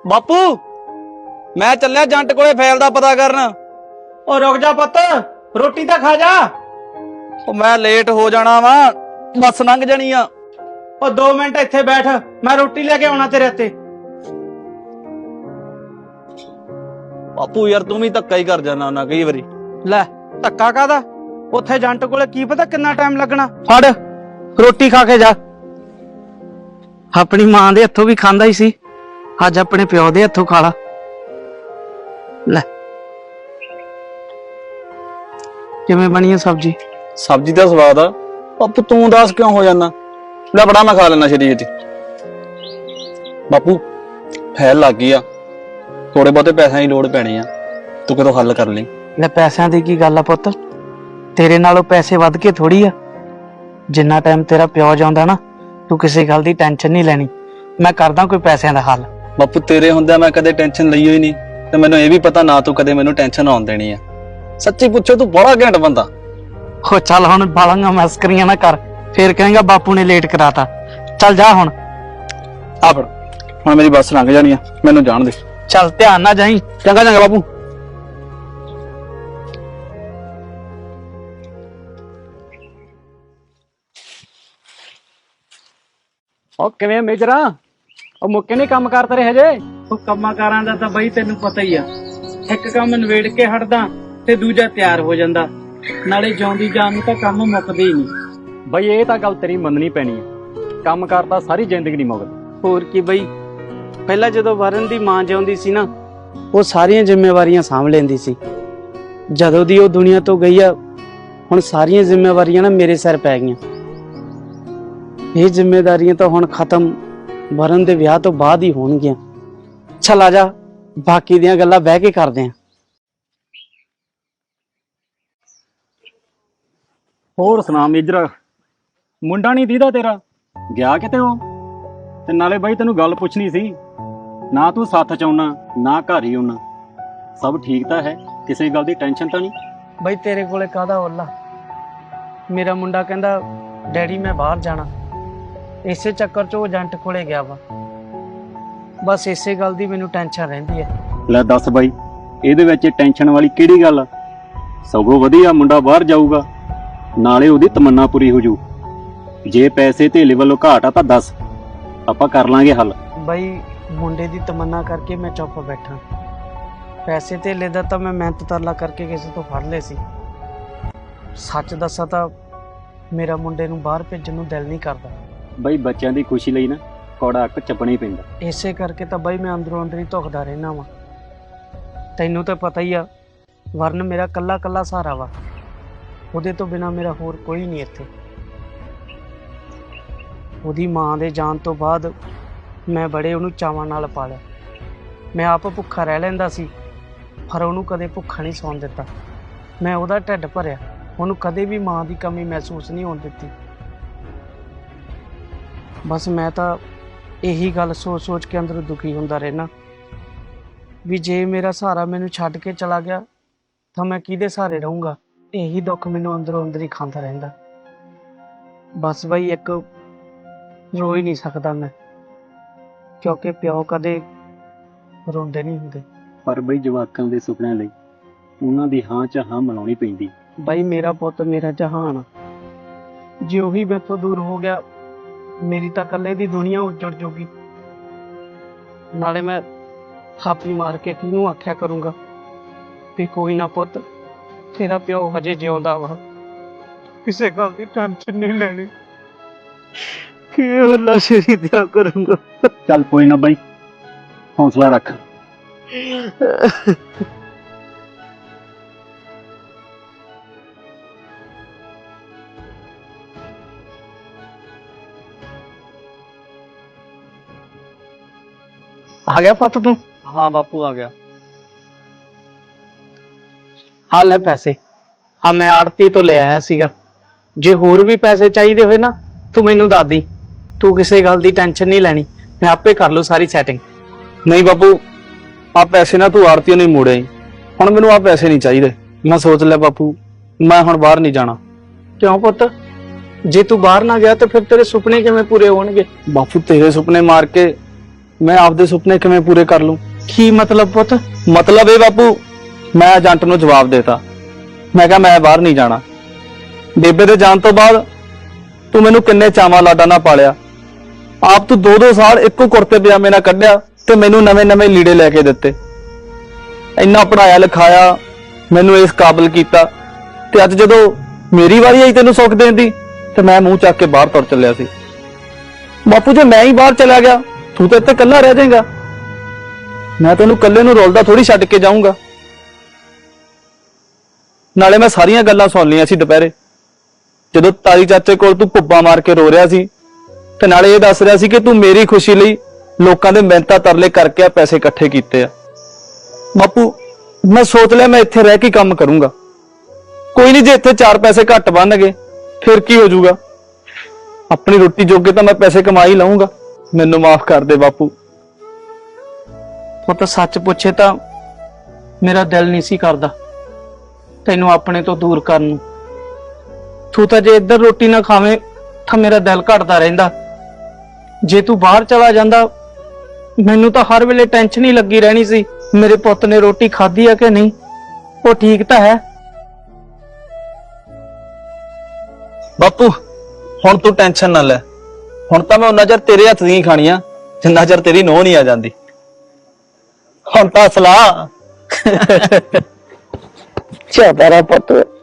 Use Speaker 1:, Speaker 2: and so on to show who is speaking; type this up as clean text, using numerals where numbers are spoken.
Speaker 1: ਬਾਪੂ ਮੈਂ ਚੱਲਿਆ ਜੰਟ ਕੋਲੇ ਫੈਲ ਦਾ ਪਤਾ ਕਰਨ।
Speaker 2: ਉਹ ਰੁਕ ਜਾ ਪੁੱਤ, ਰੋਟੀ ਤਾਂ ਖਾ ਜਾ।
Speaker 1: ਉਹ ਮੈਂ ਲੇਟ ਹੋ ਜਾਣਾ ਵਾ, ਬੱਸ ਲੰਘ ਜਾਣੀ ਆ।
Speaker 2: ਉਹ 2 ਮਿੰਟ ਇੱਥੇ ਬੈਠ, ਮੈਂ ਰੋਟੀ ਲੈ ਕੇ ਆਉਣਾ ਤੇਰੇ ਹੱਥੇ।
Speaker 1: ਬਾਪੂ ਯਾਰ ਤੂੰ ਵੀ ਧੱਕਾ ਹੀ ਕਰ ਜਾਣਾ ਨਾ ਕਈ ਵਾਰੀ।
Speaker 2: ਲੈ ਧੱਕਾ ਕਾਦਾ? ਉੱਥੇ ਜੰਟ ਕੋਲੇ ਕੀ ਪਤਾ ਕਿੰਨਾ ਟਾਈਮ ਲੱਗਣਾ। ਫੜ ਰੋਟੀ ਖਾ ਕੇ ਜਾ। ਆਪਣੀ ਮਾਂ ਦੇ ਹੱਥੋਂ ਵੀ ਖਾਂਦਾ ਹੀ ਸੀ, ਅੱਜ ਆਪਣੇ ਪਿਓ ਦੇ ਹੱਥੋਂ ਖਾ ਲਾ। ਲੈ ਕਿਵੇਂ ਬਣੀ ਹੈ ਸਬਜ਼ੀ?
Speaker 1: ਸਬਜ਼ੀ ਦਾ ਸਵਾਦ ਆ। ਬਾਪੂ ਤੂੰ ਦੱਸ ਕਿਉਂ ਹੋ ਜਾਣਾ? ਲੈ ਬੜਾ ਮੈਂ ਖਾ ਲੈਣਾ ਛੇਤੀ ਛੇਤੀ। ਬਾਪੂ ਫੈਲ ਲੱਗ ਗਈ ਆ, ਥੋੜੇ ਬਹੁਤੇ ਪੈਸਿਆਂ ਦੀ ਲੋੜ ਪੈਣੀ ਆ, ਤੂੰ ਕਿਤੋਂ ਹੱਲ ਕਰ ਲਈ।
Speaker 2: ਲੈ ਪੈਸਿਆਂ ਦੀ ਕੀ ਗੱਲ ਆ ਪੁੱਤ, ਤੇਰੇ ਨਾਲੋਂ ਪੈਸੇ ਵੱਧ ਕੇ ਥੋੜੀ ਆ। ਜਿੰਨਾ ਟਾਈਮ ਤੇਰਾ ਪਿਓ ਜਾਂਦਾ ਨਾ, ਤੂੰ ਕਿਸੇ ਗੱਲ ਦੀ ਟੈਨਸ਼ਨ ਨਹੀਂ ਲੈਣੀ, ਮੈਂ ਕਰਦਾ ਕੋਈ ਪੈਸਿਆਂ ਦਾ ਹੱਲ।
Speaker 1: ਬਾਪੂ ਤੇਰੇ ਹੁੰਦਿਆਂ ਮੈਂ ਕਦੇ ਟੈਨਸ਼ਨ ਲਈ ਹੋਈ ਨਹੀਂ, ਤੇ ਮੈਨੂੰ ਇਹ ਵੀ ਪਤਾ ਨਾ ਤੂੰ ਕਦੇ ਮੈਨੂੰ ਟੈਨਸ਼ਨ ਆਉਣ ਦੇਣੀ ਆ। ਸੱਚੀ ਪੁੱਛੋ ਤੂੰ ਬੜਾ ਘੈਂਟ ਬੰਦਾ।
Speaker 2: ਹੋ ਚੱਲ ਹੁਣ ਬਾਲਾਂਗਾ ਮਸਕਰੀਆਂ ਨਾ ਕਰ, ਫੇਰ ਕਹੇਗਾ ਬਾਪੂ ਨੇ ਲੇਟ ਕਰਾਤਾ। ਚੱਲ ਜਾ ਹੁਣ।
Speaker 1: ਆ ਫੜ, ਹੁਣ ਮੇਰੀ ਬੱਸ ਲੰਘ ਜਾਣੀ ਆ, ਮੈਨੂੰ ਜਾਣ ਦੇ।
Speaker 2: ਚੱਲ ਧਿਆਨ ਨਾਲ ਜਾਈਂ।
Speaker 1: ਚੰਗਾ ਚੰਗਾ ਬਾਪੂ।
Speaker 2: ਉਹ ਕਿਵੇਂ ਮੇਜਰਾ, ਉਹ ਮੁੱਕੇ ਨਹੀਂ ਕੰਮ ਕਰ ਤੇਰੇ ਹਜੇ? ਉਹ ਕੰਮਾਂ ਕਾਰਾਂ ਦਾ ਤਾਂ ਬਈ ਤੈਨੂੰ ਪਤਾ ਹੀ ਆ, ਇੱਕ ਕੰਮ ਨਵੇੜ ਕੇ ਹਟਦਾ ਤੇ ਦੂਜਾ ਤਿਆਰ ਹੋ ਜਾਂਦਾ, ਨਾਲੇ ਜਿਉਂਦੀ ਜਾਨ ਨੂੰ ਤਾਂ ਕੰਮ ਮੁੱਕਦੇ ਹੀ ਨਹੀਂ।
Speaker 3: ਬਈ ਇਹ ਤਾਂ ਗੱਲ ਤੇਰੀ ਮੰਨਣੀ ਪੈਣੀ ਹੈ, ਕੰਮ ਕਰਦਾ ਸਾਰੀ ਜ਼ਿੰਦਗੀ ਨਹੀਂ ਮੁੱਕਦੀ।
Speaker 2: ਹੋਰ ਕੀ ਬਈ, ਪਹਿਲਾਂ ਜਦੋਂ ਵਰਨ ਦੀ ਮਾਂ ਜਿਉਂਦੀ ਸੀ ਨਾ, ਉਹ ਸਾਰੀਆਂ ਜ਼ਿੰਮੇਵਾਰੀਆਂ ਸਾਂਭ ਲੈਂਦੀ ਸੀ। ਜਦੋਂ ਦੀ ਉਹ ਦੁਨੀਆ ਤੋਂ ਗਈ ਆ, ਹੁਣ ਸਾਰੀਆਂ ਜ਼ਿੰਮੇਵਾਰੀਆਂ ਨਾ ਮੇਰੇ ਸਿਰ ਪੈ ਗਈਆਂ। ਇਹ ਜ਼ਿੰਮੇਵਾਰੀਆਂ ਤਾਂ ਹੁਣ ਖਤਮ ਵਰਨ ਦੇ ਵਿਆਹ ਤੋਂ ਬਾਅਦ ਹੀ ਹੋਣਗੀਆਂ। ਚੱਲ ਆ ਜਾ, ਬਾਕੀ ਦੀਆਂ ਗੱਲਾਂ ਬਹਿ ਕੇ ਕਰਦੇ ਆਂ।
Speaker 3: ਹੋਰ ਸੁਣਾ ਮੇਜਰਾ, ਮੁੰਡਾ ਨਹੀਂ ਦੀਦਾ ਤੇਰਾ ਗਿਆ ਕਿਤੇ ਉਹ? ਤੇ ਨਾਲੇ ਬਾਈ ਤੈਨੂੰ ਗੱਲ ਪੁੱਛਣੀ ਸੀ, ਨਾ ਤੂੰ ਸੱਥ ਚ ਆਉਣਾ ਨਾ ਘਰ ਹੀ ਆਉਣਾ, ਸਭ ਠੀਕ ਤਾਂ ਹੈ? ਕਿਸੇ ਗੱਲ ਦੀ ਟੈਨਸ਼ਨ ਤਾਂ ਨਹੀਂ?
Speaker 2: ਬਈ ਤੇਰੇ ਕੋਲੇ ਕਾਹਦਾ ਓਲਾ? ਮੇਰਾ ਮੁੰਡਾ ਕਹਿੰਦਾ ਡੈਡੀ ਮੈਂ ਬਾਹਰ ਜਾਣਾ, ਇਸੇ ਚੱਕਰ 'ਚ ਉਹ ਏਜੰਟ ਕੋਲੇ ਗਿਆ ਵਾ। ਬਸ ਇਸੇ ਗੱਲ ਦੀ ਮੈਨੂੰ ਟੈਨਸ਼ਨ ਰਹਿੰਦੀ ਹੈ।
Speaker 3: ਲੈ ਦੱਸ ਬਾਈ, ਇਹਦੇ ਵਿੱਚ ਟੈਨਸ਼ਨ ਵਾਲੀ ਕਿਹੜੀ ਗੱਲ ਆ? ਸਗੋਂ ਵਧੀਆ, ਮੁੰਡਾ ਬਾਹਰ ਜਾਊਗਾ, ਨਾਲੇ ਉਹਦੀ ਤਮੰਨਾ ਪੂਰੀ ਹੋ ਜੂ। ਜੇ ਪੈਸੇ ਧੇਲੇ ਵੱਲੋਂ ਘਾਟ ਆ ਤਾਂ ਦੱਸ, ਆਪਾਂ ਕਰ ਲਾਂਗੇ ਹੱਲ।
Speaker 2: ਬਈ ਮੁੰਡੇ ਦੀ ਤਮੰਨਾ ਕਰਕੇ ਮੈਂ ਚੁੱਪ ਬੈਠਾ, ਪੈਸੇ ਧੇਲੇ ਦਾ ਤਾਂ ਮੈਂ ਮਿਹਨਤ ਤਰਲਾ ਕਰਕੇ ਕਿਸੇ ਤੋਂ ਫੜ ਲਏ ਸੀ। ਸੱਚ ਦੱਸਾਂ ਤਾਂ ਮੇਰਾ ਮੁੰਡੇ ਨੂੰ ਬਾਹਰ ਭੇਜਣ ਨੂੰ ਦਿਲ ਨਹੀਂ ਕਰਦਾ।
Speaker 3: ਬਈ ਬੱਚਿਆਂ ਦੀ ਖੁਸ਼ੀ ਲਈ ਨਾ ਕੌੜਾ ਅੱਕ ਚੱਪਣਾ ਹੀ ਪੈਂਦਾ।
Speaker 2: ਇਸੇ ਕਰਕੇ ਤਾਂ ਬਈ ਮੈਂ ਅੰਦਰੋਂ ਅੰਦਰ ਹੀ ਧੁਖਦਾ ਰਹਿਣਾ ਵਾਂ। ਤੈਨੂੰ ਤਾਂ ਪਤਾ ਹੀ ਆ, ਵਰਨ ਮੇਰਾ ਕੱਲਾ ਕੱਲਾ ਸਹਾਰਾ ਵਾ, ਉਹਦੇ ਤੋਂ ਬਿਨਾ ਮੇਰਾ ਹੋਰ ਕੋਈ ਨਹੀਂ ਇੱਥੇ। ਉਹਦੀ ਮਾਂ ਦੇ ਜਾਣ ਤੋਂ ਬਾਅਦ ਮੈਂ ਬੜੇ ਉਹਨੂੰ ਚਾਵਾਂ ਨਾਲ ਪਾਲਿਆ। ਮੈਂ ਆਪ ਭੁੱਖਾ ਰਹਿ ਲੈਂਦਾ ਸੀ, ਪਰ ਉਹਨੂੰ ਕਦੇ ਭੁੱਖਾ ਨਹੀਂ ਸੌਣ ਦਿੱਤਾ। ਮੈਂ ਉਹਦਾ ਢਿੱਡ ਭਰਿਆ, ਉਹਨੂੰ ਕਦੇ ਵੀ ਮਾਂ ਦੀ ਕਮੀ ਮਹਿਸੂਸ ਨਹੀਂ ਹੋਣ ਦਿੱਤੀ। ਬਸ ਮੈਂ ਤਾਂ ਇਹੀ ਗੱਲ ਸੋਚ ਸੋਚ ਕੇ ਅੰਦਰੋਂ ਦੁਖੀ ਹੁੰਦਾ ਰਹਿਣਾ ਵੀ ਜੇ ਮੇਰਾ ਸਹਾਰਾ ਮੈਨੂੰ ਛੱਡ ਕੇ ਚਲਾ ਗਿਆ ਤਾਂ ਮੈਂ ਕਿਹਦੇ ਸਹਾਰੇ ਰਹੂੰਗਾ। ਇਹੀ ਦੁੱਖ ਮੈਨੂੰ ਅੰਦਰੋਂ ਅੰਦਰ ਹੀ ਖਾਂਦਾ ਰਹਿੰਦਾ। ਬਸ ਬਈ ਇੱਕ ਰੋ ਹੀ ਨਹੀਂ ਸਕਦਾ ਮੈਂ, ਕਿਉਂਕਿ ਪਿਓ ਕਦੇ ਰੋਂਦੇ ਨਹੀਂ ਹੁੰਦੇ।
Speaker 3: ਪਰ ਬਈ ਜਵਾਕਾਂ ਦੇ ਸੁਪਨਿਆਂ ਲਈ ਉਹਨਾਂ ਦੀ ਹਾਂ ਚ ਹਾਂ ਮਿਲਾਉਣੀ ਪੈਂਦੀ।
Speaker 2: ਬਾਈ ਮੇਰਾ ਪੁੱਤ ਮੇਰਾ ਜਹਾਨ ਆ, ਜੇ ਉਹੀ ਮੈਥੋਂ ਦੂਰ ਹੋ ਗਿਆ ਮੇਰੀ ਤਾਂ ਇਕੱਲੇ ਦੀ ਦੁਨੀਆ ਉੱਜੜ ਜੂਗੀ। ਨਾਲੇ ਮੈਂ ਥਾਪੀ ਮਾਰ ਕੇ ਕਿਹਨੂੰ ਆਖਿਆ ਕਰੂੰਗਾ ਵੀ ਕੋਈ ਨਾ ਪੁੱਤ, ਤੇਰਾ ਪਿਓ ਹਜੇ ਜਿਉਂਦਾ ਵਾ, ਕਿਸੇ ਗੱਲ ਦੀ ਟੈਨਸ਼ਨ ਨਹੀਂ ਲੈਣੀ। ਕੀ ਹੱਲਾ ਸ਼ੇਰੀ ਦਿਆ ਕਰੂੰਗਾ।
Speaker 3: ਚੱਲ ਕੋਈ ਨਾ ਬਾਈ, ਹੌਸਲਾ ਰੱਖ।
Speaker 2: ਆ ਗਿਆ ਪੁੱਤ ਤੂੰ?
Speaker 1: ਹਾਂ ਬਾਪੂ ਆ ਗਿਆ।
Speaker 2: ਆ ਲੈ ਪੈਸੇ, ਆ ਮੈਂ ਆੜਤੀ ਤੋਂ ਲੈ ਆਇਆ ਸੀਗਾ। ਜੇ ਹੋਰ ਵੀ ਪੈਸੇ ਚਾਹੀਦੇ ਹੋਏ ਨਾ ਤੂੰ ਮੈਨੂੰ ਦੱਸ ਦੀ, ਤੂੰ ਕਿਸੇ ਗੱਲ ਦੀ ਟੈਨਸ਼ਨ ਨਹੀਂ ਲੈਣੀ, ਮੈਂ ਆਪੇ ਕਰ ਲੂ ਸਾਰੀ ਸੈਟਿੰਗ।
Speaker 1: ਨਹੀਂ ਬਾਪੂ, ਆ ਪੈਸੇ ਨਾ ਤੂੰ ਆੜਤੀਆਂ ਨੂੰ ਮੋੜਿਆ ਹੀ, ਹੁਣ ਮੈਨੂੰ ਆ ਪੈਸੇ ਨਹੀਂ ਚਾਹੀਦੇ। ਮੈਂ ਸੋਚ ਲਿਆ ਬਾਪੂ, ਮੈਂ ਹੁਣ ਬਾਹਰ ਨਹੀਂ ਜਾਣਾ।
Speaker 2: ਕਿਉਂ ਪੁੱਤ, ਜੇ ਤੂੰ ਬਾਹਰ ਨਾ ਗਿਆ ਤਾਂ ਫਿਰ ਤੇਰੇ ਸੁਪਨੇ ਕਿਵੇਂ ਪੂਰੇ ਹੋਣਗੇ?
Speaker 1: ਬਾਪੂ ਤੇਰੇ ਸੁਪਨੇ ਮਾਰ ਕੇ ਮੈਂ ਆਪਦੇ ਸੁਪਨੇ ਕਿਵੇਂ ਪੂਰੇ ਕਰ ਲੂੰ?
Speaker 2: ਕੀ ਮਤਲਬ ਪੁੱਤ?
Speaker 1: ਮਤਲਬ ਇਹ ਬਾਪੂ, ਮੈਂ ਏਜੰਟ ਨੂੰ ਜਵਾਬ ਦੇਤਾ। ਮੈਂ ਕਿਹਾ ਮੈਂ ਬਾਹਰ ਨਹੀਂ ਜਾਣਾ। ਬੇਬੇ ਦੇ ਜਾਣ ਤੋਂ ਬਾਅਦ ਤੂੰ ਮੈਨੂੰ ਕਿੰਨੇ ਚਾਵਾਂ ਲਾਡਾ ਨਾਲ ਪਾਲਿਆ। ਆਪ ਤੂੰ 2-2 ਸਾਲ ਇੱਕੋ ਕੁਰਤੇ ਪਜਾਮੇ ਨਾਲ ਕੱਢਿਆ ਤੇ ਮੈਨੂੰ ਨਵੇਂ-ਨਵੇਂ ਲੀੜੇ ਲੈ ਕੇ ਦਿੱਤੇ। ਇੰਨਾ ਪੜਾਇਆ ਲਿਖਾਇਆ, ਮੈਨੂੰ ਇਸ ਕਾਬਿਲ ਕੀਤਾ, ਤੇ ਅੱਜ ਜਦੋਂ ਮੇਰੀ ਵਾਰੀ ਆਈ ਤੈਨੂੰ ਸੁੱਖ ਦੇਣ ਦੀ ਤੇ ਮੈਂ ਮੂੰਹ ਚੱਕ ਕੇ ਬਾਹਰ ਤੁਰ ਚੱਲਿਆ ਸੀ। ਬਾਪੂ ਜੇ ਮੈਂ ਹੀ ਬਾਹਰ ਚਲਾ ਗਿਆ, ਤੂੰ ਤਾਂ ਇੱਥੇ ਇਕੱਲਾ ਰਹਿ ਜਾਏਗਾ। ਮੈਂ ਤੈਨੂੰ ਇਕੱਲੇ ਨੂੰ ਰੋਲਦਾ ਥੋੜੀ ਛੱਡ ਕੇ ਜਾਊਂਗਾ। ਨਾਲੇ ਮੈਂ ਸਾਰੀਆਂ ਗੱਲਾਂ ਸੁਣ ਲਈਆਂ ਸੀ ਦੁਪਹਿਰੇ, ਜਦੋਂ ਤਾਰੀ ਚਾਚੇ ਕੋਲ ਤੂੰ ਭੁੱਬਾ ਮਾਰ ਕੇ ਰੋ ਰਿਹਾ ਸੀ, ਤੇ ਨਾਲੇ ਇਹ ਦੱਸ ਰਿਹਾ ਸੀ ਕਿ ਤੂੰ ਮੇਰੀ ਖੁਸ਼ੀ ਲਈ ਲੋਕਾਂ ਦੇ ਮਿਹਨਤਾਂ ਤਰਲੇ ਕਰਕੇ ਆ ਪੈਸੇ ਇਕੱਠੇ ਕੀਤੇ ਆ। ਬਾਪੂ ਮੈਂ ਸੋਚ ਲਿਆ ਮੈਂ ਇੱਥੇ ਰਹਿ ਕੇ ਕੰਮ ਕਰੂੰਗਾ। ਕੋਈ ਨਹੀਂ, ਜੇ ਇੱਥੇ 4 ਪੈਸੇ ਘੱਟ ਬਣਨਗੇ ਫਿਰ ਕੀ ਹੋ ਜਾਊਗਾ। ਆਪਣੀ ਰੋਟੀ ਜੋਗੇ ਤਾਂ ਮੈਂ ਪੈਸੇ ਕਮਾ ਹੀ ਲਵਾਂਗਾ। ਮੈਨੂੰ ਮਾਫ ਕਰ ਦੇ ਬਾਪੂ।
Speaker 2: ਪੁੱਤ ਸੱਚ ਪੁੱਛੇ ਤਾਂ ਮੇਰਾ ਦਿਲ ਨਹੀਂ ਸੀ ਕਰਦਾ ਤੈਨੂੰ ਆਪਣੇ ਤੋਂ ਦੂਰ ਕਰਨ ਨੂੰ। ਤੂੰ ਤਾਂ ਜੇ ਇੱਧਰ ਰੋਟੀ ਨਾ ਖਾਵੇਂ ਤਾਂ ਮੇਰਾ ਦਿਲ ਘਟਦਾ ਰਹਿੰਦਾ। ਜੇ ਤੂੰ ਬਾਹਰ ਚਲਾ ਜਾਂਦਾ ਮੈਨੂੰ ਤਾਂ ਹਰ ਵੇਲੇ ਟੈਨਸ਼ਨ ਹੀ ਲੱਗੀ ਰਹਿਣੀ ਸੀ, ਮੇਰੇ ਪੁੱਤ ਨੇ ਰੋਟੀ ਖਾਧੀ ਆ ਕਿ ਨਹੀਂ, ਉਹ ਠੀਕ ਤਾਂ ਹੈ।
Speaker 1: ਬਾਪੂ ਹੁਣ ਤੂੰ ਟੈਨਸ਼ਨ ਨਾ ਲੈ। ਹੁਣ ਤਾਂ ਮੈਂ ਉਹਨਾਂ ਚਿਰ ਤੇਰੇ ਹੱਥ ਦੀਆਂ ਖਾਣੀਆਂ ਜਿੰਨਾ ਚਿਰ ਤੇਰੀ ਨੋਹ ਨਹੀਂ ਆ ਜਾਂਦੀ। ਹੁਣ ਤਾਂ ਸਲਾਹ
Speaker 2: ਚੱਲ ਤੇਰਾ ਪੁੱਤ